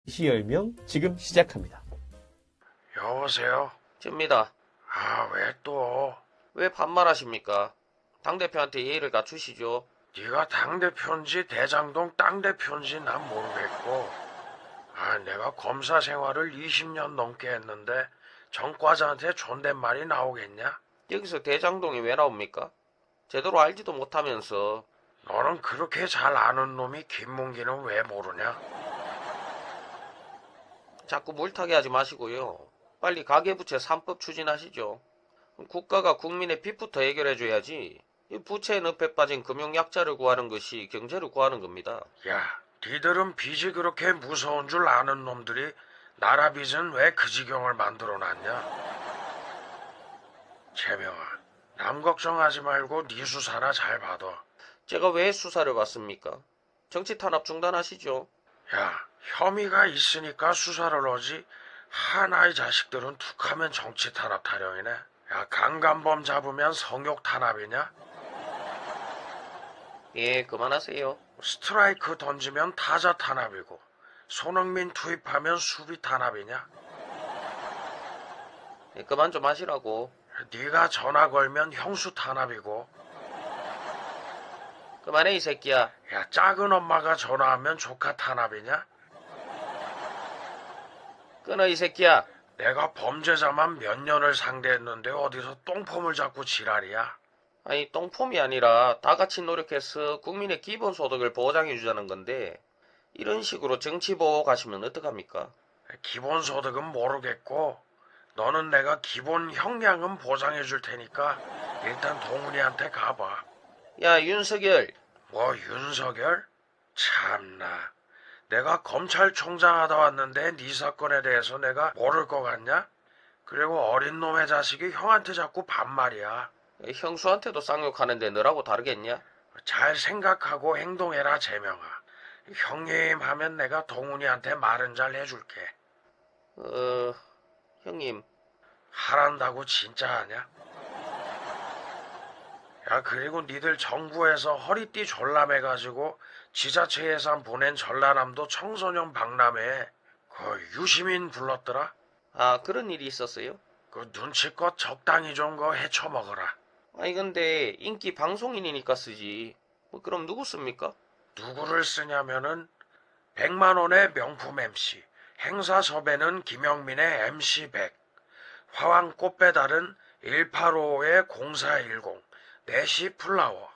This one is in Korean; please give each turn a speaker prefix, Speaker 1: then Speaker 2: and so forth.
Speaker 1: 시열명 지금 시작합니다.
Speaker 2: 여보세요?
Speaker 3: 접니다.
Speaker 2: 왜 또?
Speaker 3: 왜 반말하십니까? 당대표한테 예의를 갖추시죠.
Speaker 2: 네가 당대표인지 대장동 땅대표인지 난 모르겠고 내가 검사 생활을 20년 넘게 했는데 정과자한테 존댓말이 나오겠냐?
Speaker 3: 여기서 대장동이 왜 나옵니까? 제대로 알지도 못하면서.
Speaker 2: 너는 그렇게 잘 아는 놈이 김문기는 왜 모르냐?
Speaker 3: 자꾸 물타기 하지 마시고요. 빨리 가계부채 3법 추진하시죠. 국가가 국민의 빚부터 해결해줘야지. 이 부채에 늪에 빠진 금융약자를 구하는 것이 경제를 구하는 겁니다.
Speaker 2: 야, 니들은 빚이 그렇게 무서운 줄 아는 놈들이 나라 빚은 왜 그 지경을 만들어놨냐? 재명아, 남 걱정하지 말고 네 수사나 잘 받아.
Speaker 3: 제가 왜 수사를 받습니까? 정치 탄압 중단하시죠.
Speaker 2: 야, 혐의가 있으니까 수사를 하지. 하나의 자식들은 툭하면 정치 탄압 타령이네. 야, 강간범 잡으면 성욕 탄압이냐?
Speaker 3: 예, 그만하세요.
Speaker 2: 스트라이크 던지면 타자 탄압이고 손흥민 투입하면 수비 탄압이냐?
Speaker 3: 예, 그만 좀 하시라고.
Speaker 2: 네가 전화 걸면 형수 탄압이고.
Speaker 3: 그만해 이 새끼야.
Speaker 2: 야, 작은 엄마가 전화하면 조카 탄압이냐?
Speaker 3: 끊어 이 새끼야.
Speaker 2: 내가 범죄자만 몇 년을 상대했는데 어디서 똥폼을 잡고 지랄이야?
Speaker 3: 아니 똥폼이 아니라 다 같이 노력해서 국민의 기본소득을 보장해 주자는 건데 이런 식으로 정치 보호 가시면 어떡합니까?
Speaker 2: 기본소득은 모르겠고 너는 내가 기본 형량은 보장해 줄 테니까 일단 동훈이한테 가봐.
Speaker 3: 야 윤석열.
Speaker 2: 뭐 윤석열? 참나. 내가 검찰총장 하다 왔는데 네 사건에 대해서 내가 모를 것 같냐? 그리고 어린 놈의 자식이 형한테 자꾸 반말이야.
Speaker 3: 형수한테도 쌍욕하는데 너라고 다르겠냐?
Speaker 2: 잘 생각하고 행동해라 재명아. 형님 하면 내가 동훈이한테 말은 잘 해줄게.
Speaker 3: 형님.
Speaker 2: 하란다고 진짜 하냐? 야, 그리고 니들 정부에서 허리띠 졸라매가지고 지자체 예산 보낸 전라남도 청소년 박람회에 그 유시민 불렀더라?
Speaker 3: 아 그런 일이 있었어요?
Speaker 2: 그 눈치껏 적당히 좀 거 헤쳐먹어라.
Speaker 3: 아니 근데 인기 방송인이니까 쓰지. 뭐 그럼 누구 씁니까?
Speaker 2: 누구를 쓰냐면은 100만 원의 명품 MC, 행사 섭외는 김영민의 MC 100, 화왕 꽃배달은 185의 0410, 내시 플라워.